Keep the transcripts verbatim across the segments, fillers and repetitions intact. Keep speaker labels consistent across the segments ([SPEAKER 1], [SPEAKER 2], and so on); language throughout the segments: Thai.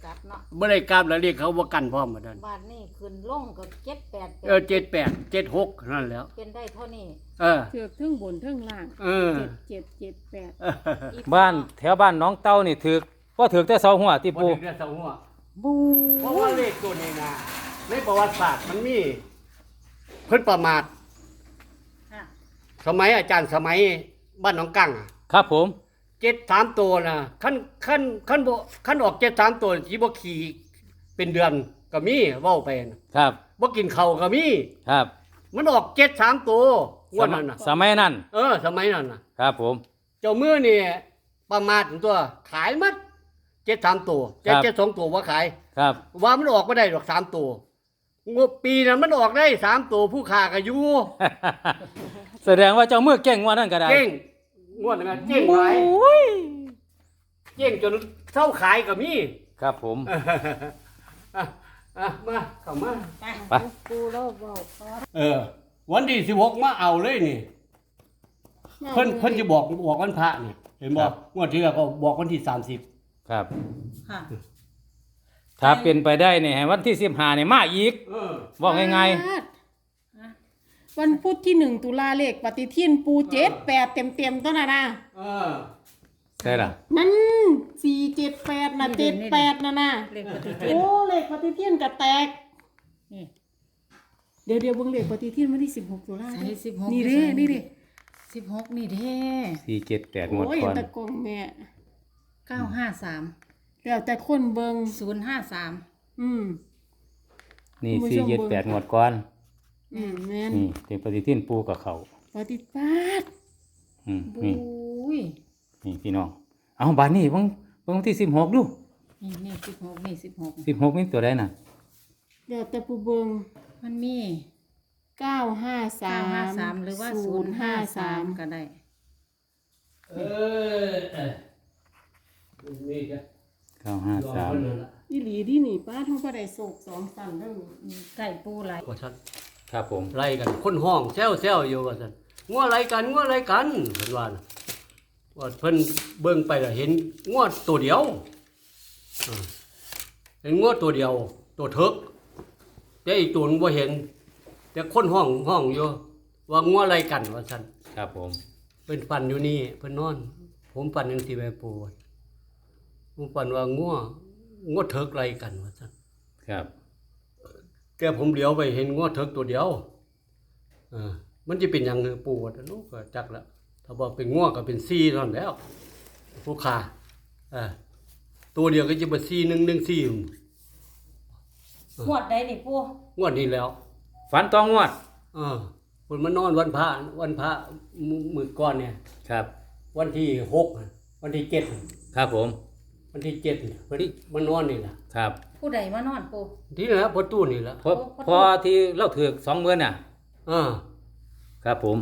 [SPEAKER 1] กลับเนาะ
[SPEAKER 2] บ่ได้กลับแล้วเรียกเขาบ่กันพร้อมบ่นั่น
[SPEAKER 1] บาทนี่ขึ้นลงก็เจ็ดแปด
[SPEAKER 2] เออเจ็ดแปด เจ็ดหกนั่นแหล้ว
[SPEAKER 1] เป็นได้เท่านี้
[SPEAKER 2] เออ
[SPEAKER 3] เถือกทั้งบนทั้งล่าง
[SPEAKER 2] เออ
[SPEAKER 3] เจ็ดเจ็ดเจ็ดแปด
[SPEAKER 1] อี
[SPEAKER 4] บ้านแถวบ้านน้องเต้านี่ถือว่าถือแต่เสาหัวที่
[SPEAKER 2] บ่
[SPEAKER 4] ปู
[SPEAKER 2] ได้เรียกเสาหัว
[SPEAKER 4] บู
[SPEAKER 2] เพราะว่าเลขตัวนี้นะในประวัติศาสตร์มันมีเพิ่นประมาท
[SPEAKER 1] ค่ะ
[SPEAKER 2] สมัยอาจารย์สมัยบ้านหนองกังอะ
[SPEAKER 4] ครับผม
[SPEAKER 2] เจ็ดสามตัวนะขั้นขั้นขั้นบ่ขั้นออกเจ็ดสามตัวสิบ่ขี่เป็นเดือนก็มีเว้าไปนะครับ บ่กินข้าวก็มี
[SPEAKER 4] ครับ
[SPEAKER 2] มันออกเจ็ดสามตัวงวดนั้นน่ะ
[SPEAKER 4] สมัยนั้น
[SPEAKER 2] เออ สมัยนั้นน่ะ
[SPEAKER 4] ครับผม
[SPEAKER 2] เจ้ามือนี่ประมาทตัวขายหมัดเจ็ดสามตัวเจ็ดเจ็ดสองตัวว่าขาย
[SPEAKER 4] ครับ
[SPEAKER 2] ว่ามันออกไม่ได้ดอกสามตัวงบปีนั้นมันออกได้สามตัวผู้ค้าก็อยู่
[SPEAKER 4] แสดงว่าเจ้ามือเก่งว่านั่นก็ได้
[SPEAKER 2] เจ๊งงวดนั้นเจ๊งหลาย
[SPEAKER 4] โอ้ย
[SPEAKER 2] เจ๊งจนเท่าขายก็มี
[SPEAKER 4] ครับผม
[SPEAKER 2] อ่ะอ่ะมาเข้ามา
[SPEAKER 1] ไป
[SPEAKER 4] ไป
[SPEAKER 1] ปูโลกบอกขอ
[SPEAKER 2] เออ วันที่สิบหกมาเอาเลยนี่ เพิ่นเพิ่นจะบอกบอกวันพระนี่เห็นบอกงวดที่แล้วก็บอกวันที่สามสิบ
[SPEAKER 4] ครับ
[SPEAKER 1] ค่ะ
[SPEAKER 4] ถ้าเป็นไปได้เนี่ยให้วันที่สิบห้าเนี่ยมาอีก
[SPEAKER 2] เออ
[SPEAKER 4] บอกง่าย
[SPEAKER 3] วันพุธที่หนึ่งตุลาเลขปฏิทินปูเจ็ดแปดเต็มเต็มๆต้นน่ะนะ
[SPEAKER 2] เออ
[SPEAKER 4] ๆใช่ล่ะ
[SPEAKER 3] มันสี่เจ็ดแปดนะเจ็ดแปดนะนะ
[SPEAKER 1] เลขปฏิทิน
[SPEAKER 3] โอ้เลขปฏิทินกระแตก
[SPEAKER 1] นี่
[SPEAKER 3] เดี๋ยวเดี๋ยวเบิ่งเลขปฏิทินวันที่สิบหกตุลา
[SPEAKER 1] ใส่
[SPEAKER 3] เด้อ
[SPEAKER 1] สิบหก
[SPEAKER 3] นี่เด้นี่เด้
[SPEAKER 1] สิบหกนี่เด้
[SPEAKER 4] สี่เจ็ดแปดงวด
[SPEAKER 3] โอ้ย
[SPEAKER 4] ก่อน
[SPEAKER 3] ตะกงแม่
[SPEAKER 1] เก้าห้าสาม
[SPEAKER 3] แล้วแต่คนเบิ่ง
[SPEAKER 1] ศูนย์ห้าสาม
[SPEAKER 3] อืม
[SPEAKER 4] นี่
[SPEAKER 3] คุณผู้
[SPEAKER 4] สี่
[SPEAKER 3] ชม
[SPEAKER 4] เจ็ด
[SPEAKER 3] เบิ่ง
[SPEAKER 4] แปดงวดก่อน
[SPEAKER 3] อืมแม่น
[SPEAKER 4] นี่เป็นปฏิทินปูกับเขา
[SPEAKER 3] ปฏิปัด
[SPEAKER 4] อืม
[SPEAKER 1] บุ
[SPEAKER 4] นี่
[SPEAKER 1] ้ย
[SPEAKER 4] นี่พี่น้อง เอาบานนี่เบิ่งเบิ่งวันที่สิบหกดู
[SPEAKER 1] นี่นี่สิบหกนี่สิบหก
[SPEAKER 4] สิบหกนี่ตัวใดน่ะ
[SPEAKER 3] แล้วแต่ผู้เบิ่ง
[SPEAKER 1] มันมี
[SPEAKER 3] เก้าห้าสา
[SPEAKER 1] เก้าม ห้าสามหรือว่าศูนย์ห้าสามก็ได้
[SPEAKER 2] เออเออนี่จ้ะ
[SPEAKER 4] เก้าห้าสาม
[SPEAKER 3] อีหลีดีนี่ป้าท้องบ่ได้โศกสองสั่นเด้อ
[SPEAKER 1] ไก่ปูไหล
[SPEAKER 2] ว่าท่าน
[SPEAKER 4] ครับผม
[SPEAKER 2] ไล่กันคนห้องแซวแซวอยู่ว่าท่านงัวไล่กันงัวไล่กันเพิ่นว่าน่ะว่าเพิ่นเบิ่งไปแล้วเห็นงัวตัวเดียวอ่าเห็นงัวตัวเดียว ตัวเถิกแต่อีกตัวนึงบ่เห็น แต่คนห้องห้องอยู่ว่างัวไล่กันว่าท่าน
[SPEAKER 4] ครับผม
[SPEAKER 2] เพิ่นปั่นอยู่นี่เพิ่นนอน ผมปั่นจังซี่แม่ปู่ผมปั่นว่างัวงัวเถิกไล่กันว่าซั่น
[SPEAKER 4] ครับ
[SPEAKER 2] แต่ผมเหลียวไปเห็นงัวเถิกตัวเดียวเออมันจะเป็นหยังคือปู่ว่าลูกก็จักละถ้าบอกเป็นงัวก็เป็นสี่เท่านั้นแล้ว ผู้ขาเออตัวเดียวก็จะเป็นสี่หนึ่งหนึ่งสี่
[SPEAKER 1] งวดได้นี่ปู
[SPEAKER 2] งวดนี้แล้ว
[SPEAKER 4] ฝันตองงวด
[SPEAKER 2] เออคนมานอนวันพระวันพระมื้อมื้อก่อนเนี่ย
[SPEAKER 4] ครับ
[SPEAKER 2] วันที่หกวันที่เจ็ด
[SPEAKER 4] ครับผม
[SPEAKER 2] วันที่เจ็ดเพิ่นมานอนนี่ล่ะ
[SPEAKER 4] ครับ
[SPEAKER 1] ผู้ใดมานอนปู
[SPEAKER 2] ที่นั่นแหละประตูนี่ล่ะ
[SPEAKER 4] พอพอที่เล่าถือกสองหมื่นน่ะ
[SPEAKER 2] อ่า
[SPEAKER 4] ครับผม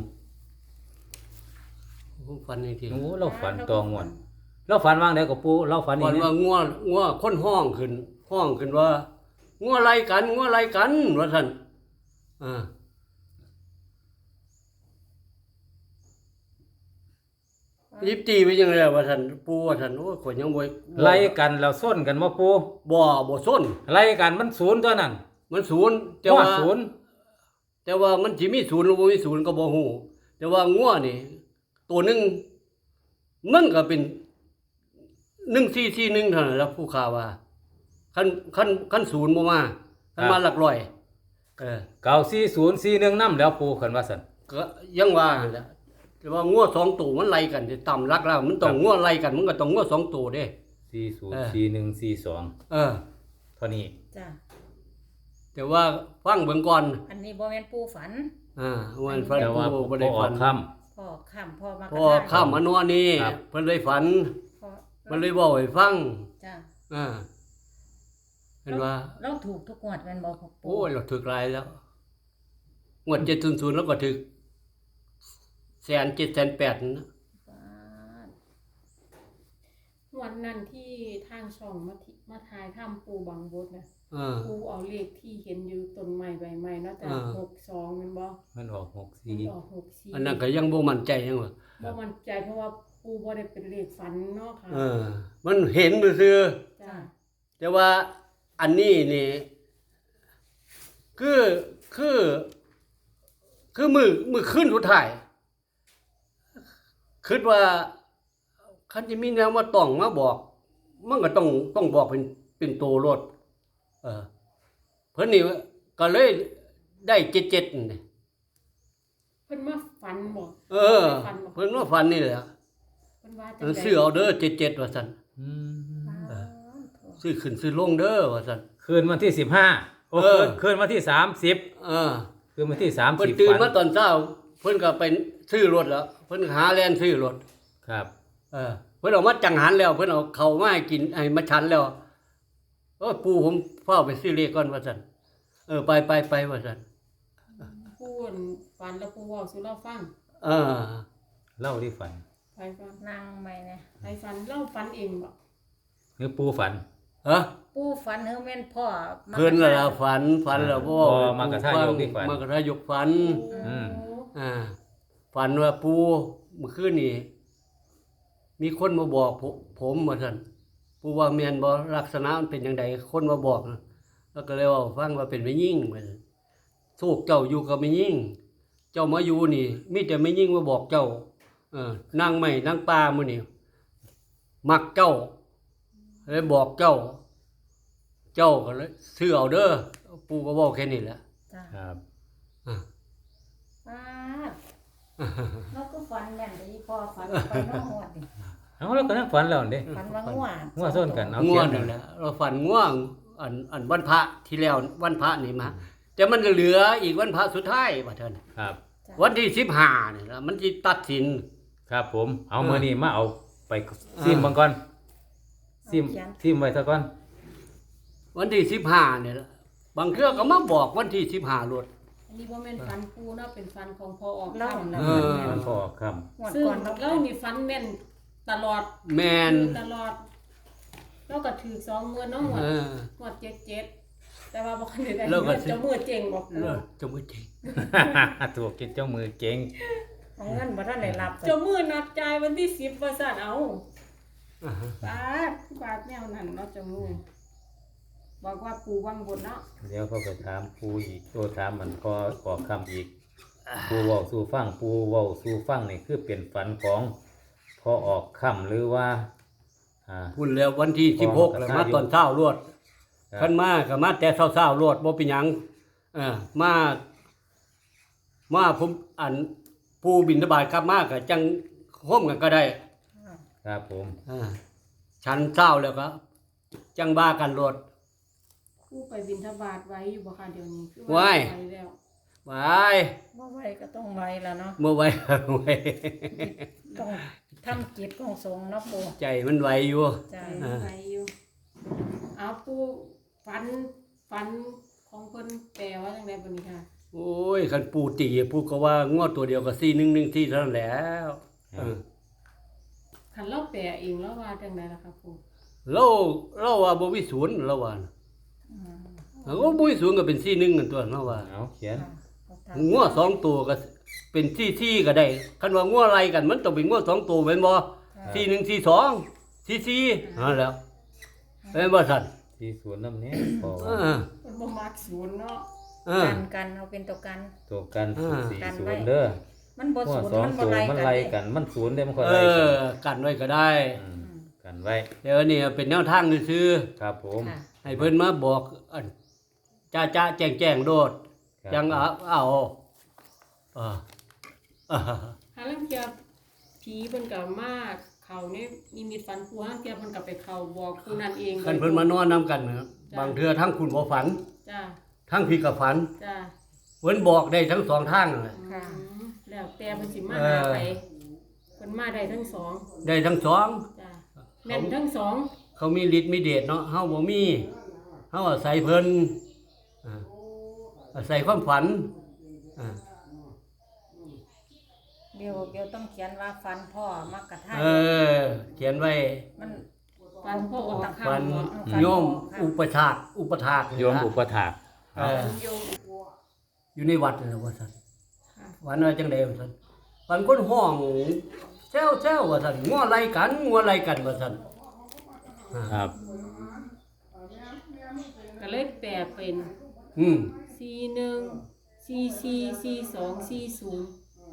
[SPEAKER 2] ผมฝันอีกที
[SPEAKER 4] โอ้เราฝันตองงวด เราฝันว่างไหนกับปูเราฝัน
[SPEAKER 2] ฝั
[SPEAKER 4] นี่
[SPEAKER 2] นว่างัวงัวคนห้องขึ้น ห้องขึ้นว่างัวอะไรกันงัวอะไรกันว่าท่านอ่ายิบตีไปยังไงว่าท่านปูว่าท่านโอ้ยข่อยยังบ่
[SPEAKER 4] ไล่กันเราส้นกันมาปู
[SPEAKER 2] บ่บ่ส้น
[SPEAKER 4] ไล่กันมันศูนย์ตัวนั้น
[SPEAKER 2] มันศูนย์แต่
[SPEAKER 4] หัว
[SPEAKER 2] ว่า
[SPEAKER 4] ศูนย์
[SPEAKER 2] แต่ว่ามันสิมีศูนย์หรือบ่มีศูนย์ก็บ่ฮู้แต่ว่างัวนี่ ตัวหนึงมันก็เป็นหนึ่งสี่สี่หนึ่งเท่านั้นแหล้วผู้ข่าวว่าคันคันคันศูนย์บ่มาคันมาหลักร้อยเออ
[SPEAKER 4] เก้าสี่ศูนย์สี่หนึ่งน้ำแล้วปูขันว่าสัน
[SPEAKER 2] ก็ยังว่าหั่นแหละแต่ว่างัวสองตัวมันไล่กันสิต่ำรักแล้วมันต้องงัวไล่กันมันก็ต้องงัวสองตัวเด้
[SPEAKER 4] สี่ศูน
[SPEAKER 2] เอ
[SPEAKER 4] ย์
[SPEAKER 2] อ
[SPEAKER 4] สี่หนึ่งสี่สอง
[SPEAKER 2] เออ
[SPEAKER 4] เท่านี้
[SPEAKER 1] จ้ะ
[SPEAKER 2] แต่ว่าฟังเบิ่งก่อน
[SPEAKER 1] อันนี้บ่แม่นปูฝัน
[SPEAKER 2] อ่าวันฟัน
[SPEAKER 4] แต่ว่า
[SPEAKER 2] ผู้
[SPEAKER 4] พ
[SPEAKER 2] บ่
[SPEAKER 4] อ
[SPEAKER 2] ได้
[SPEAKER 4] ออ
[SPEAKER 2] ฝั
[SPEAKER 4] ก
[SPEAKER 2] น
[SPEAKER 4] ค่
[SPEAKER 1] พ่อข้ามพ่อมา
[SPEAKER 2] พอข้ามมานอนนี่
[SPEAKER 4] ครับ
[SPEAKER 2] เพิ่นเลยฝัน
[SPEAKER 1] พ่อ
[SPEAKER 2] เพิ่นเลยบอกให้ฟัง
[SPEAKER 1] จ้ะ
[SPEAKER 2] อ่าเห็นว่า
[SPEAKER 1] เราถูกทุกงวดแม่นบ่พ่อปู
[SPEAKER 2] โอ้ยเราถึกหลายแล้วงวดเจ็ดศูนย์ศูนย์แล้วก็ถึกแสนเจ็ดแสนแปดนะ
[SPEAKER 1] ป๊าด
[SPEAKER 3] วันนั้นที่ทางช่องมาทิมาทายถ้ำปูบางบดนะ
[SPEAKER 2] อ่า
[SPEAKER 3] ปูเอาเลขที่เห็นอยู่ต้นไม้ใบไม้เนาะแต่
[SPEAKER 2] อ่า
[SPEAKER 3] หกสองแมันบ่
[SPEAKER 4] ำมันออกหก
[SPEAKER 3] มัน
[SPEAKER 4] สี่
[SPEAKER 3] ออกหกสี่
[SPEAKER 2] อันนั้นก็ยังบ่มั่นใจยังว่า
[SPEAKER 3] บ่มั่นใจเพราะว่าปูบ่ได้เป็นเลขฝันเนาะค่ะ
[SPEAKER 2] เออ มันเห็นซื่อ
[SPEAKER 3] จ้า
[SPEAKER 2] แต่ว่าอันนี้นี่คือคือคือมือมือขึ้นสุดท้ายคิดว่าคันจะมีแนวมาต้องมาบอก มันก็ต้องต้องบอกเป็นเป็นตัวรถเออเพิ่นนี่ก็เลยได้เจ็ดเจ็ดนี่
[SPEAKER 3] เพิ่นมาฝันบ่
[SPEAKER 2] เออ เพิ่นว่าฟันนี่แหละ
[SPEAKER 3] เพิ่นว่าจั
[SPEAKER 2] เออซื้อเอาเด้อเจ็ดเจ็ดว่าซั่น
[SPEAKER 4] อืม
[SPEAKER 2] ซื้อขึ้นซื้อลงเด้อว่าซั่น
[SPEAKER 4] คืนวันที่สิบห้าโอ้
[SPEAKER 2] เออ
[SPEAKER 4] คืนคืนวันที่สามสิบ
[SPEAKER 2] เออ
[SPEAKER 4] คืนวันที่สาม
[SPEAKER 2] เพิ่น
[SPEAKER 4] สิบ
[SPEAKER 2] ตื่น
[SPEAKER 4] ฝัน
[SPEAKER 2] มาตอนเช้า เพิ่นก็ไปซื้อรถแล้ว เพิ่นหาแล่นซื้อรถ
[SPEAKER 4] ครับ
[SPEAKER 2] เออเพิ่นเอามาจังหันแล้ว เพิ่นเอาเข้าวมาให้กินให้มาฉันแล้วโอ้ยปู่ผมเฝ้าไปซื้อเลขก่อนว่าซั่นเออไปไปไปว่าซั่น
[SPEAKER 3] ปูนฝันแล้วปูเว้าสู่เราฟัง
[SPEAKER 2] เออ
[SPEAKER 4] เล่าที่ฝัน
[SPEAKER 3] ไปฟัง
[SPEAKER 1] นั่งไหมเนี่ย
[SPEAKER 3] ไปฝันเล่าฝันเองบ่
[SPEAKER 4] หรือปูฝัน
[SPEAKER 2] ฮะ
[SPEAKER 1] ปูฝันเฮาแม่นพ่อมา
[SPEAKER 2] เพิ่นน่ะล่ะฝันฝันแล้วบ่
[SPEAKER 4] พอมากระทายกที่ฝัน
[SPEAKER 2] มากระทายกฝัน
[SPEAKER 4] อืม
[SPEAKER 2] อ่าฝันว่าปู่เมื่อคืนนี้มีคนมาบอกผมผมว่าซั่นปู่ว่าแม่นบ่ลักษณะมันเป็นจังไดคนมาบอกนะแล้วก็เลยเว่าฟังว่าเป็นแม่ยิ่งว่าซั่นโชคเจ้าอยู่กับแม่ยิ่ง เจ้ามาอยู่นี่มีแต่แม่ยิ่งมาบอกเจ้าเออนางไม้นางป่ามื้อนี้มักเจ้าเลยบอกเจ้า เจ้าก็เลยซื้อเอาเด้อปู่ก็บอกแค่นี้แหละ
[SPEAKER 1] จ้ะ
[SPEAKER 4] ครับ
[SPEAKER 2] อ่า
[SPEAKER 1] ป้าดเราก็ฝันแม่นแต่อีพ่อฝันไปนอกหวดนี่
[SPEAKER 4] เอาแล้วก็นั่งฝันแล้วนี่
[SPEAKER 1] ฝันว่าง่วง
[SPEAKER 4] งัวส้นกันเอา
[SPEAKER 2] ง่ว
[SPEAKER 4] เขีย
[SPEAKER 2] ง
[SPEAKER 4] น
[SPEAKER 2] นั่นแหละเราฝันง่วงอันอันวันพระที่แล้ววันพระนี่มาแต่มันเหลืออีกวันพระสุดท้ายว่าเท่านั้น
[SPEAKER 4] ครับ
[SPEAKER 1] จ้ะ
[SPEAKER 2] วันที่สิบห้านี่ละมันจะตัดสิน
[SPEAKER 4] ครับผม เอา
[SPEAKER 2] เออ
[SPEAKER 4] มือนี้มาเอาไป
[SPEAKER 2] เออ
[SPEAKER 4] ซิมบังก่อนซิม
[SPEAKER 1] เขียน
[SPEAKER 4] ซิมไว้ซะก่อน
[SPEAKER 2] วันที่สิบห้าเนี่ยละบางเครือก็มาบอกวันที่สิบห้ารถ
[SPEAKER 3] อันนี้บ่แม่นฝันปูเนาะเป็นฝันของพอออก
[SPEAKER 1] เล่า
[SPEAKER 3] ค่ำ
[SPEAKER 1] น่ะ
[SPEAKER 2] เออ
[SPEAKER 4] มันพอค
[SPEAKER 1] หวด
[SPEAKER 3] ซึ่ง
[SPEAKER 1] ก่อนเรา
[SPEAKER 3] เรานี่ฝันแม่นตลอด
[SPEAKER 2] แมน
[SPEAKER 3] ตลอดเราก็ถือสองมื้อเนาะหมด
[SPEAKER 2] เออ
[SPEAKER 3] หมดเจ็ดเจ็ดแต่ว่าบ่คันได้ได้
[SPEAKER 2] แล้วก็
[SPEAKER 3] เจ้ามือเจ๋งบ่ปู
[SPEAKER 2] เลิศจะไม่จริง
[SPEAKER 4] ำ ถูกกินเจ้ามือเก่ง
[SPEAKER 1] เอาเงินบ่ทันได้รับ
[SPEAKER 3] เจ้ามือนัดจ่ายวันที่สิบว่าซั่นเอา
[SPEAKER 2] อ่าฮะ
[SPEAKER 3] บาทบาทแนวนั้นเนาะเจ้ามือบอกว่าปูวังบนเนาะ
[SPEAKER 4] เดี๋ยวเขาไปถามปูอีกโตถามมันพอออกคำอีก ปูเว้าสู่ฟังปูเว้าสู่ฟังนี่คือเป็นฝันของพอออกคำหรือว่า อ่า
[SPEAKER 2] พูดแล้ววันที่สิบหกแล้วมาตอนเช้ารวด
[SPEAKER 4] ครับ
[SPEAKER 2] ขันมาก็มาแต่เช้าๆรวดบ่เป็นหยังเออมามาผมอันผู้บิณฑบาตกลับมาก็จังห่มกันก็ได้
[SPEAKER 4] ครับผม
[SPEAKER 2] อ่าฉันเช้าแล้วก็จังบ้ากันรถ
[SPEAKER 3] ผู้ไปบิณฑบาตไว้อยู่บ่คะเดี๋ยวนี้คือ
[SPEAKER 2] ไว้
[SPEAKER 3] ไปแล้ว
[SPEAKER 2] ไป
[SPEAKER 1] บ่ไหวก็ต้องไหวแล้วเนาะ
[SPEAKER 2] เมื่อไหว ไหว
[SPEAKER 1] ต้องทำกิจของสงฆ์เนาะปู
[SPEAKER 2] ใจมันไหวอยู่
[SPEAKER 1] จ้ะ
[SPEAKER 3] ไป
[SPEAKER 2] อ่า
[SPEAKER 3] ไปอยู่เอาปูฝันฝันของเพิ่นแปลว่าจังไดบัดนี้ค่ะ
[SPEAKER 2] โอ้ยคันปู่ตีปู่ก็ว่างวดตัวเดียวก็สี่หนึ่งหนึ่งที่เท่านั้นแหล้วเออ
[SPEAKER 3] คันเราแปลเองแล้วว่าจังไดล่ะครับปู
[SPEAKER 2] เราเราว่าบ่มีศูนย์เราว่าน่ะ
[SPEAKER 1] อืม
[SPEAKER 2] เราก็บ่มีศูนย์ก็เป็นสี่หนึ่งกันตัวเราว่า
[SPEAKER 4] เอาเขียน
[SPEAKER 1] ค่ะเอาตาม
[SPEAKER 2] งัวสองตัวก็เป็นสี่สี่ก็ได้คันว่างัวอะไรกันมันต้องเป็นงัวสองตัวแม่นบ่สี่หนึ่งสี่สองสี่สี่นั่นแหล้วแม่นบ่ซั่น
[SPEAKER 4] ที่สวนน้ำเนี้ยพอ
[SPEAKER 2] เออ
[SPEAKER 3] เพิ่นบ่มักศูนย์เนาะ
[SPEAKER 2] เออ
[SPEAKER 1] กันกันเอาเป็นตัวกัน
[SPEAKER 4] ตัวกัน
[SPEAKER 2] อ่า
[SPEAKER 4] สี่
[SPEAKER 1] กัน
[SPEAKER 4] ศู
[SPEAKER 1] ไว้
[SPEAKER 4] นย์เด้อ
[SPEAKER 1] มันบ่
[SPEAKER 4] หัว
[SPEAKER 1] สูญ
[SPEAKER 4] สอง
[SPEAKER 1] มันบ่
[SPEAKER 4] ตัว
[SPEAKER 1] ไล่
[SPEAKER 4] มัน
[SPEAKER 1] กัน
[SPEAKER 4] ไล่
[SPEAKER 1] เด้
[SPEAKER 4] กัน มันศูนย์ได้มันค่อย
[SPEAKER 2] เอ
[SPEAKER 4] ไล่กัน
[SPEAKER 2] อกันไว้ก็ได้
[SPEAKER 4] มกันไว้
[SPEAKER 2] เดี๋ยวนี้เป็นแนวทางซื่อ
[SPEAKER 4] ครับผม
[SPEAKER 1] ค่ะ
[SPEAKER 2] ๆให้เพิ่นมาบอกอันจ้าจ้าแจ้งแจ้งโดด
[SPEAKER 4] ครับ
[SPEAKER 2] จังเอาเอาเออเออ
[SPEAKER 3] หาลังเทียผีเพิ่นก็มาเข้าในนิมิตฝันปูหาลังเทียเพิ่นก็ไปเข้าบอกผู้นั้นเอง
[SPEAKER 2] คันเพิ่นมานอนนํกันนะครับบางเทื่อทั้งคุณบ่ฝัน
[SPEAKER 3] จ้า
[SPEAKER 2] ทั้งพี่ก็ฝัน
[SPEAKER 3] จ้า
[SPEAKER 2] เพิ่นบอกได้ทั้งสองทางนั่นแหละ
[SPEAKER 1] ค่ะ
[SPEAKER 3] อืมแล้วแต่เพิ่นสิมา
[SPEAKER 2] เออ
[SPEAKER 3] หาไปเพิ่นมาได้ทั้งสอง
[SPEAKER 2] ได้ทั้งสอง
[SPEAKER 3] จ้าแม่นทั้งสอง
[SPEAKER 2] เขามีฤทธิ์มีเดชเนาะเฮาบ่มีเฮาอาศัยเพิ่นอ่าอาศัยความฝันอ่า
[SPEAKER 1] เดี๋ยวเดี๋ยวต้องเขียนว่าฟันพ่อมักกะทาย
[SPEAKER 2] เออ เขียนไว้
[SPEAKER 1] มัน
[SPEAKER 3] ฟันพ่อออก
[SPEAKER 2] ฝั
[SPEAKER 3] ข้าง
[SPEAKER 2] น
[SPEAKER 3] เนาะ
[SPEAKER 1] ฝัน
[SPEAKER 2] โยม
[SPEAKER 1] ค่ะ
[SPEAKER 2] อุปถากอุปถาก
[SPEAKER 4] โยมอุปถาก
[SPEAKER 2] เออ
[SPEAKER 3] โยม
[SPEAKER 2] อยู่ในวัดนั่นแหละว่าซั่น
[SPEAKER 3] ค่ะ
[SPEAKER 2] วันว่าจังได๋ว่าซั่นฝันคนห้องแซวๆว่าซั่นงัวไล่กันงัวไล่กันว่าซั่นอ่า
[SPEAKER 4] ครับ
[SPEAKER 3] ก็เลยแปลเป็น
[SPEAKER 2] อืม
[SPEAKER 3] สี่หนึ่ง สี่สี่ สี่สอง สี่ศูนย์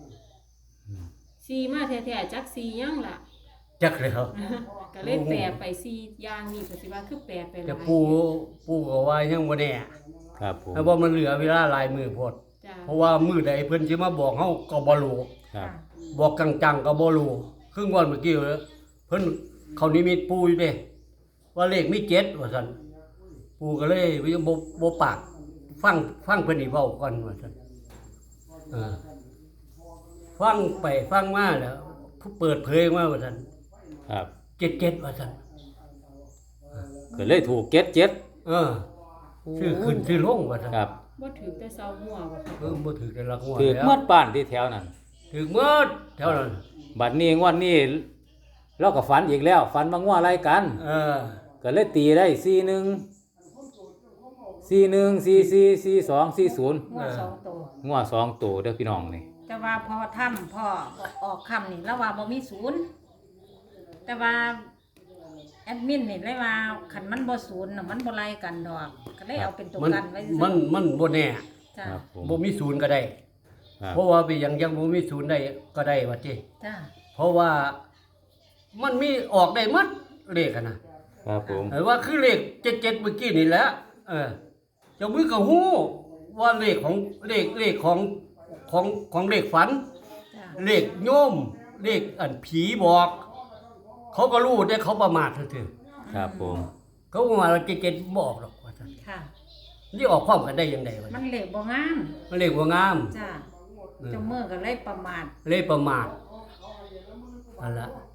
[SPEAKER 3] สี่มาแท้ๆจักสี่ยังล่ะ
[SPEAKER 2] จักแล้ว
[SPEAKER 3] ก็เลยแปลไปสี่อย่างนี่ก็สิว่าคือแปลไปหลาย
[SPEAKER 2] แต่ปู่ปู่ก็ว่ายังบ่แน่
[SPEAKER 4] ครับผม
[SPEAKER 2] แล้วว่ามันเหลือเวลาหลายมื้อโพด
[SPEAKER 3] จ้า
[SPEAKER 2] เพราะว่ามื้อใดเพิ่นสิมาบอกเฮาก็บ่รู้
[SPEAKER 4] ครับ
[SPEAKER 2] บอกจังๆก็บ่รู้ครึ่งวันเมื่อกี้เพิ่นเขานิมิตปู่อยู่เด้ว่าเลขมีเจ็ดว่าซั่นปู่ก็เลยบ่บ่ปาก ฟังฟังเพิ่นนี่เว้าก่อนว่าซั่นเออฟังไปฟังมาแล้วเปิดเผยมาว่าซั่น
[SPEAKER 4] ครับ
[SPEAKER 2] เจ็ดเจ็ดว่าซั่น
[SPEAKER 4] ก็เลยถูกเก็ดเจ็ด
[SPEAKER 2] เออชื่อขึ้นชื่อลงว่าซั่น
[SPEAKER 4] ครับ
[SPEAKER 3] บ่ถือแต่เซาหัวบ่ค่ะ
[SPEAKER 2] เออบ่ถือแต่ละหัว
[SPEAKER 4] ถือ
[SPEAKER 2] แล้ว
[SPEAKER 4] หมดบ้านที่แถวนั้น
[SPEAKER 2] ถือหมดแถวนั้น
[SPEAKER 4] บัดนี้งวดนี้เราก็ฝันอีกแล้วฝันมางัวอะไรกัน
[SPEAKER 2] เออ
[SPEAKER 4] ก็เลยตีได้สี่หนึ่งสี่หนึ่งสี่สี่สี่สองสี่ศูนย์
[SPEAKER 1] หัวสองตัว
[SPEAKER 4] งัวสองตัวเด้อพี่น้องนี่
[SPEAKER 1] แต่ว่าพอทำพ่อออกคำนี่แล้วว่าบ่มีศูนย์แต่ว่าแอดมินนี่เลยว่าคันมันบ่ศูนย์น่ะมันบ่ไล่กันดอกก็เลยเอาเป็นตัว
[SPEAKER 2] มัน
[SPEAKER 1] กันไว้ซื่อ
[SPEAKER 2] มันมันบ่แน่
[SPEAKER 1] จ้า
[SPEAKER 4] ครับผม
[SPEAKER 2] บ่มีศูนย์ก็ได้
[SPEAKER 4] ครับ
[SPEAKER 2] เพราะว่าไปยังยังบ่มีศูนย์ได้ก็ได้ว่าติ
[SPEAKER 1] จ้า
[SPEAKER 2] เพราะว่ามันมีออกได้หมดเลขอะนะครับ
[SPEAKER 4] ผม
[SPEAKER 2] เออว่าคือเลขเจ็ดเจ็ดเมื่อกี้นี่แหละเออเจ้ามือก็ฮู้ว่าเลขของเลขเลขของของของเลขฝัน
[SPEAKER 1] จ้า
[SPEAKER 2] เลขโยมเลขอันผีบอก เขาก็รู้แต่เขาประมาทซื่อ
[SPEAKER 4] ครับผม
[SPEAKER 2] ๆเขาประมาทว่าเจ็ดเจ็ดบ่ออกหรอกว่าซั่น
[SPEAKER 1] ค่ะ
[SPEAKER 2] นี่ออกพร้อมกันได้ยังไงวะ
[SPEAKER 1] มันเหล็กบ่งาม
[SPEAKER 2] มันเลขบ่งาม
[SPEAKER 1] จ้า
[SPEAKER 2] เออ
[SPEAKER 1] เจ้ามือก็เลยประมาท
[SPEAKER 2] เลขประมาทนั่นละ